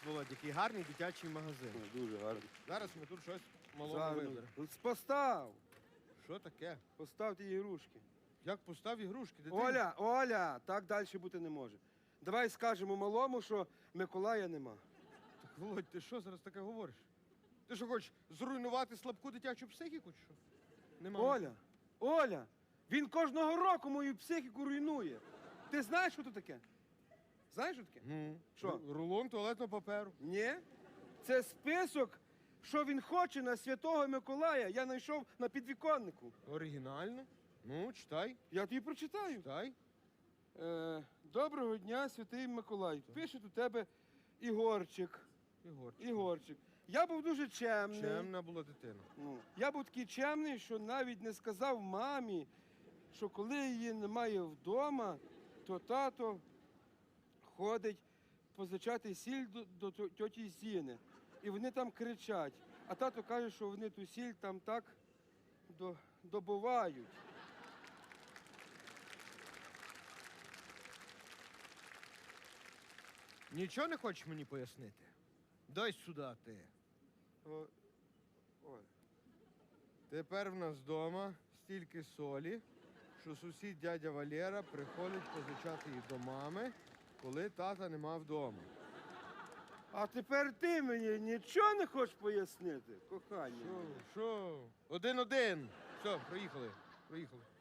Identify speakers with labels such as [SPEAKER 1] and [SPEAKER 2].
[SPEAKER 1] Володь, який гарний дитячий магазин.
[SPEAKER 2] Дуже гарно.
[SPEAKER 1] Зараз ми тут щось малого
[SPEAKER 2] Зараз.
[SPEAKER 1] виберемо.
[SPEAKER 2] Постав!
[SPEAKER 1] Що таке?
[SPEAKER 2] Постав ті ігрушки.
[SPEAKER 1] Як постав ігрушки, дитині?
[SPEAKER 2] Оля, так далі бути не може. Давай скажемо малому, що Миколая нема.
[SPEAKER 1] Так, Володь, ти що зараз таке говориш? Ти що хочеш зруйнувати слабку дитячу психіку, чи що? Нема.
[SPEAKER 2] Оля, він кожного року мою психіку руйнує. Ти знаєш, що це таке? Знаєш, що таке? Що?
[SPEAKER 1] Рулон туалетного паперу.
[SPEAKER 2] Ні. Це список, що він хоче на Святого Миколая. Я знайшов на підвіконнику.
[SPEAKER 1] Оригінально? Ну, читай,
[SPEAKER 2] Я тобі прочитаю.
[SPEAKER 1] читай.
[SPEAKER 2] Доброго дня, Святий Миколай. Пише у тебе Ігорчик. Ігорчик. Я був дуже чемний.
[SPEAKER 1] Чемна була дитина.
[SPEAKER 2] Ну, я був такий чемний, що навіть не сказав мамі, що коли її немає вдома, то тато ходить позичати сіль до тьоті Зіни. І вони там кричать. А тато каже, що вони ту сіль там так добувають.
[SPEAKER 1] Нічого не хочеш мені пояснити? Дай сюди ти.
[SPEAKER 2] Ой.
[SPEAKER 1] Тепер в нас вдома стільки солі, що сусід дядя Валера приходить позичати її до мами, коли тата нема вдома.
[SPEAKER 2] А тепер ти мені нічого не хочеш пояснити, кохання?
[SPEAKER 1] Що? Один-один. Все, проїхали.